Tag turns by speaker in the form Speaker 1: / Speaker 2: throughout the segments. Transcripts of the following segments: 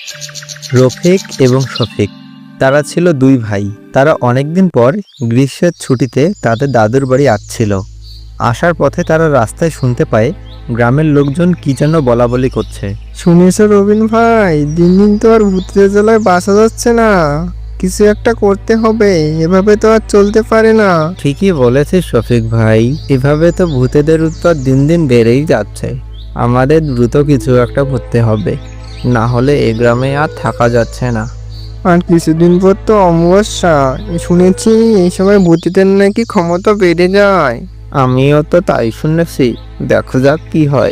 Speaker 1: রফিক এবং শফিক তারা ছিল দুই ভাই। তারা অনেকদিন পর গ্রীষ্মের ছুটিতে তাদের দাদুর বাড়ি আসছিল। আসার পথে তারা রাস্তায় শুনতে পায় গ্রামের লোকজন কি যেন বলাবলি করছে।
Speaker 2: শুনেছ রবিন ভাই, দিন দিন তো আর ভূতের জ্বালায় বাঁচা যাচ্ছে না, কিছু একটা করতে হবে, এভাবে তো আর চলতে পারে না।
Speaker 1: ঠিকই বলেছিস শফিক ভাই, এভাবে তো ভূতেদের উৎপাত দিন দিন বেড়েই যাচ্ছে। আমাদের দ্রুত কিছু একটা করতে হবে, না হলে এ গ্রামে আর থাকা যাচ্ছে না।
Speaker 2: আর কিছুদিন পর তো অমাবস্যা, শুনেছি এই সময় ভূতেদের নাকি ক্ষমতা বেড়ে যায়।
Speaker 1: আমিও তো তাই শুনেছি, দেখা যাক কি হয়।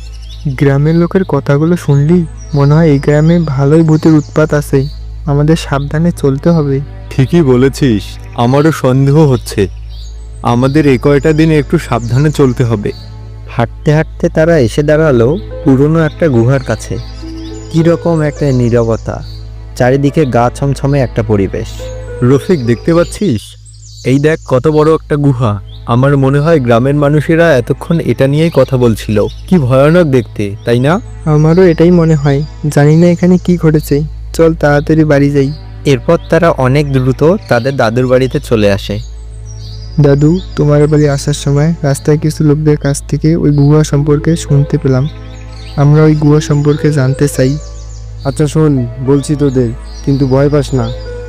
Speaker 2: গ্রামের লোকের কথাগুলো শুনলি মনে হয় এই গ্রামে ভালোই ভূতের উৎপাত আছে, আমাদের সাবধানে চলতে হবে।
Speaker 3: ঠিকই বলেছিস, আমারও সন্দেহ হচ্ছে। আমাদের এ কয়টা দিন একটু সাবধানে চলতে হবে।
Speaker 1: হাঁটতে হাঁটতে তারা এসে দাঁড়ালো পুরনো একটা গুহার কাছে। কিরকম একটা নীরবতা, চারিদিকে গা ছমছমে একটা পরিবেশ।
Speaker 3: রফিক, দেখতে পাচ্ছিস? এই দেখ কত বড় একটা গুহা। আমার মনে হয় গ্রামের মানুষেরা এতক্ষণ এটা নিয়েই কথা বলছিল। কি ভয়ানক দেখতে, তাই না?
Speaker 2: আমারও এটাই মনে হয়, জানি না এখানে কি ঘটেছে, চল তাড়াতাড়ি বাড়ি যাই।
Speaker 1: এরপর তারা অনেক দ্রুত তাদের দাদুর বাড়িতে চলে আসে।
Speaker 2: দাদু, তোমার বাড়ি আসার সময় রাস্তায় কিছু লোকদের কাছ থেকে ওই গুহা সম্পর্কে শুনতে পেলাম, আমরা ওই গুহা সম্পর্কে জানতে চাই।
Speaker 4: আচ্ছা শোন, বলছি তোদের, কিন্তু ভয় পাস না।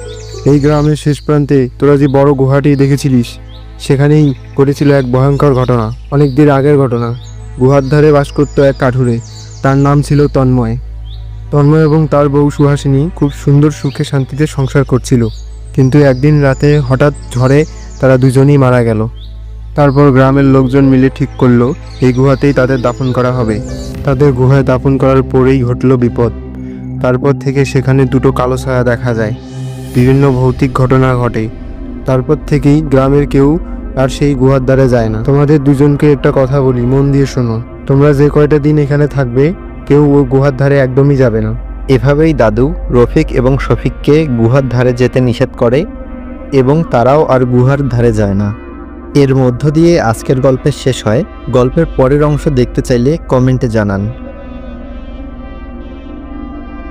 Speaker 4: এই গ্রামের শেষ প্রান্তে তোরা যে বড় গুহাটি দেখেছিলিস, সেখানেই ঘটেছিল এক ভয়ঙ্কর ঘটনা। অনেক দিন আগের ঘটনা। গুহার ধারে বাস করত এক কাঠুরে, তার নাম ছিল তন্ময়। তন্ময় এবং তার বউ সুহাসিনী খুব সুন্দর সুখে শান্তিতে সংসার করছিল, কিন্তু একদিন রাতে হঠাৎ ঝড়ে তারা দুজনেই মারা গেল। তারপর গ্রামের লোকজন মিলে ঠিক করলো এই গুহাতেই তাদের দাফন করা হবে। তাদের গুহায় দাফন করার পরেই ঘটল বিপদ। তারপর থেকে সেখানে দুটো কালো ছায়া দেখা যায়, বিভিন্ন ভৌতিক ঘটনা ঘটে। তারপর থেকেই গ্রামের কেউ আর সেই গুহার দ্বারে যায় না। তোমাদের দুজনকে একটা কথা বলি, মন দিয়ে শোনো। তোমরা যে কয়টা দিন এখানে থাকবে, কেউ ওই গুহার ধারে একদমই যাবে না।
Speaker 1: এভাবেই দাদু রফিক এবং শফিককে গুহার ধারে যেতে নিষেধ করে এবং তারাও আর গুহার ধারে যায় না। এর মধ্য দিয়ে আজকের গল্পের শেষ হয়। গল্পের পরের অংশ দেখতে চাইলে কমেন্টে জানান।